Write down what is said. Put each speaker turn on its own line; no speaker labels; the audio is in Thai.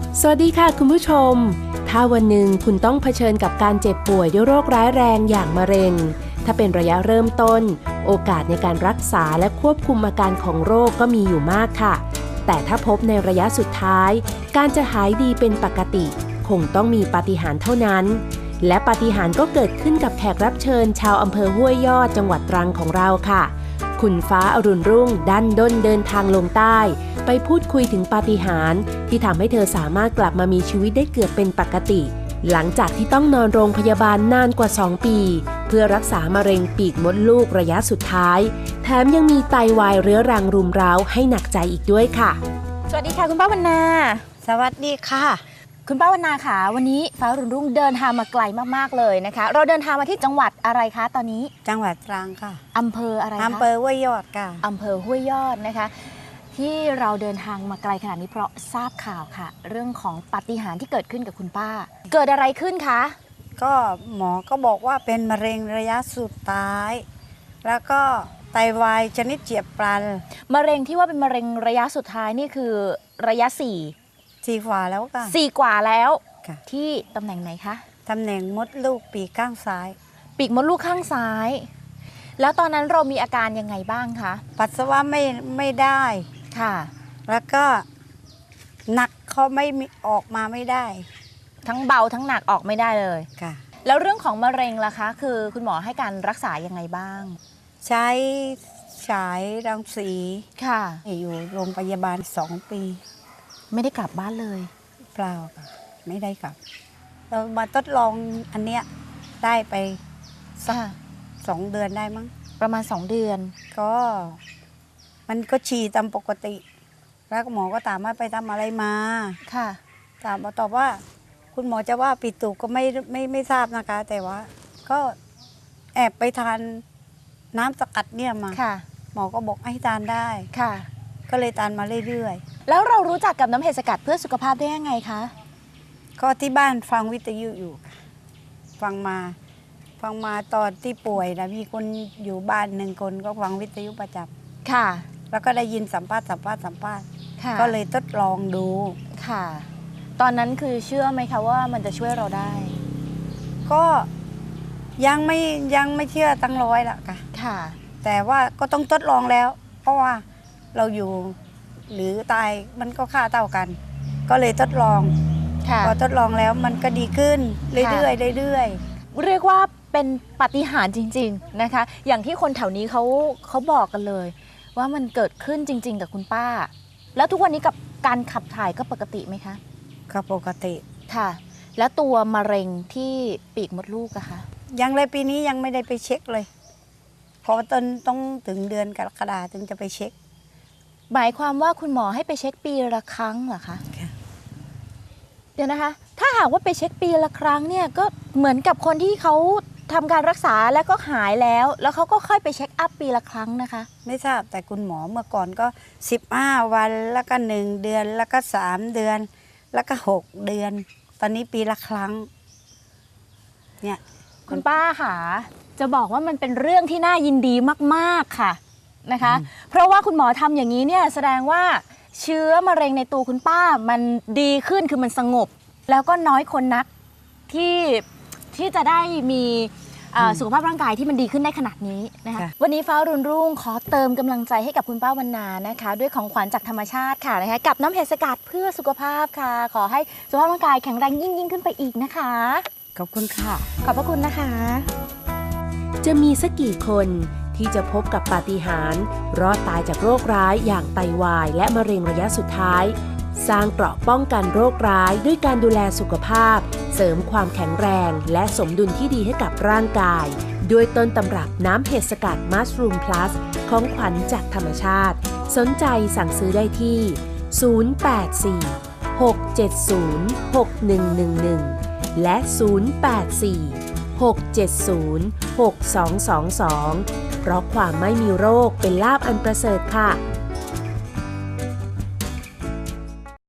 สวัสดีค่ะคุณผู้ชมถ้าวันหนึ่งคุณต้องเผชิญกับการเจ็บป่วยด้วยโรคร้ายแรงอย่างมะเร็งถ้าเป็นระยะเริ่มต้นโอกาสในการรักษาและควบคุมอาการของโรคก็มีอยู่มากค่ะแต่ถ้าพบในระยะสุดท้ายการจะหายดีเป็นปกติคงต้องมีปาฏิหาริย์เท่านั้นและปาฏิหาริย์ก็เกิดขึ้นกับแขกรับเชิญชาวอำเภอห้วยยอดจังหวัดตรังของเราค่ะคุณฟ้าอรุณรุ่งดันด้นเดินทางลงใต้ไปพูดคุยถึงปาฏิหาริย์ที่ทำให้เธอสามารถกลับมามีชีวิตได้เกือบเป็นปกติหลังจากที่ต้องนอนโรงพยาบาลนานกว่า2 ปีเพื่อรักษามะเร็งปีกมดลูกระยะสุดท้ายแถมยังมีไตวายเรื้อรังรุมเร้าให้หนักใจอีกด้วยค่ะ
สวัสดีค่ะคุณป้าวรรณา
สวัสดีค่ะ
คุณป้าวรรณาค่ะวันนี้ฟ้ารุ่งรุ่งเดินทางมาไกลมากๆเลยนะคะเราเดินทางมาที่จังหวัดอะไรคะตอนนี้
จังหวัดตรังค่ะ
อำเภออะไรคะ
อำเภอห้วยยอดค่ะ
อำเภอห้วยยอดนะคะที่เราเดินทางมาไกลขนาดนี้เพราะทราบข่าวค่ะเรื่องของปาฏิหาริย์ที่เกิดขึ้นกับคุณป้าเกิดอะไรขึ้นคะ
ก็หมอก็บอกว่าเป็นมะเร็งระยะสุดท้ายแล้วก็ไตวายชนิดเฉียบพลัน
มะเร็งที่ว่าเป็นมะเร็งระยะสุดท้ายนี่คือระยะ4
กว่าแล้วค่ะ
4 กว่าแล้วที่ตำแหน่งไหนคะ
ตำแหน่งมดลูกปีกข้างซ้าย
ปีกมดลูกข้างซ้ายแล้วตอนนั้นเรามีอาการยังไงบ้างคะ
ปัสสาวะไม่ได้
ค่ะ
แล้วก็หนักเขาไม่ออกมาไม่ได้
ทั้งเบาทั้งหนักออกไม่ได้เลย
ค่ะ
แล้วเรื่องของมะเร็งล่ะคะคือคุณหมอให้การรักษายังไงบ้าง
ใช้ฉายรังสี
ค่ะ
อยู่โรงพยาบาล2 ปี
ไม่ได้กลับบ้านเลย
เปล่าค่ะไม่ได้กลับเรามาทดลองอันเนี้ยได้ไปสัก2 เดือนได้มั้ง
ประมาณ2 เดือน
ก็มันก็ฉี่ตามปกติแล้วหมอก็ถามว่าไปทำอะไรมา
ค่ะ
ถามตอบว่าคุณหมอจะว่าปิดตูก็ไม่ทราบนะคะแต่ว่าก็แอบไปทานน้ำสกัดเนี่ยมา
ค่ะ
หมอก็บอกให้ทานได้
ค่ะ
ก็เลยทานมาเรื่อย
ๆแล้วเรารู้จักกับน้ำเห็ดสกัดเพื่อสุขภาพได้ยังไงคะ
ก็ที่บ้านฟังวิทยุอยู่ฟังมาตอนที่ป่วยนะมีคนอยู่บ้าน1 คนก็ฟังวิทยุประจำ
ค่ะ
แล้วก็ได้ยินสัมภาษณ์ก็เลยทดลองดู
ค่ะตอนนั้นคือเชื่อไหมคะว่ามันจะช่วยเราได้
ก็ยังไม่เชื่อตั้ง100ละ
ค่ะ
แต่ว่าก็ต้องทดลองแล้วเพราะว่าเราอยู่หรือตายมันก็ค่าเท่ากันก็เลยทดลองพอทดลองแล้วมันก็ดีขึ้นเรื่อยๆเ
รียกว่าเป็นปาฏิหาริย์จริงๆนะคะอย่างที่คนแถวนี้เขาบอกกันเลยว่ามันเกิดขึ้นจริงๆกับคุณป้าแล้วทุกวันนี้กับการขับถ่ายก็ปกติไหมคะ
ก็ปกติ
ค่ะแล้วตัวมะเร็งที่ปีกมดลูกอะคะ
ยังเลยปีนี้ยังไม่ได้ไปเช็คเลยเพราะต้องถึงเดือนกรกฎาคมถึงจะไปเช็ค
หมายความว่าคุณหมอให้ไปเช็คปีละครั้งเหรอคะเดี๋ยวนะคะถ้าหากว่าไปเช็คปีละครั้งเนี่ยก็เหมือนกับคนที่เขาทำการรักษาแล้วก็หายแล้วเขาก็ค่อยไปเช็คอัพปีละครั้งนะคะ
ไม่ทราบแต่คุณหมอเมื่อก่อนก็15 วันแล้วก็1 เดือนแล้วก็3 เดือนแล้วก็6 เดือนตอนนี้ปีละครั้งเนี่ย
คุณป้าค่ะจะบอกว่ามันเป็นเรื่องที่น่ายินดีมากๆค่ะนะคะเพราะว่าคุณหมอทำอย่างนี้เนี่ยแสดงว่าเชื้อมะเร็งในตัวคุณป้ามันดีขึ้นคือมันสงบแล้วก็น้อยคนนักที่จะได้มีสุขภาพร่างกายที่มันดีขึ้นได้ขนาดนี้นะคะวันนี้ฟ้ารุ่งรุ่งขอเติมกำลังใจให้กับคุณป้าวรรณานะคะด้วยของขวัญจากธรรมชาติค่ะนะคะกับน้ำเห็ดสกัดเพื่อสุขภาพค่ะขอให้สุขภาพร่างกายแข็งแรงยิ่งขึ้นไปอีกนะคะ
ขอบคุณค่ะ
ขอบพระคุณนะคะ
จะมีสักกี่คนที่จะพบกับปาฏิหาริย์รอดตายจากโรคร้ายอย่างไตวายและมะเร็งระยะสุดท้ายสร้างเกราะป้องกันโรคร้ายด้วยการดูแลสุขภาพเสริมความแข็งแรงและสมดุลที่ดีให้กับร่างกายด้วยต้นตำรับน้ำเห็ดสกัดมัสรูมพลัสของขวัญจากธรรมชาติสนใจสั่งซื้อได้ที่ 084-670-6111 และ 084-670-6222 เพราะความไม่มีโรคเป็นลาภอันประเสริฐค่ะ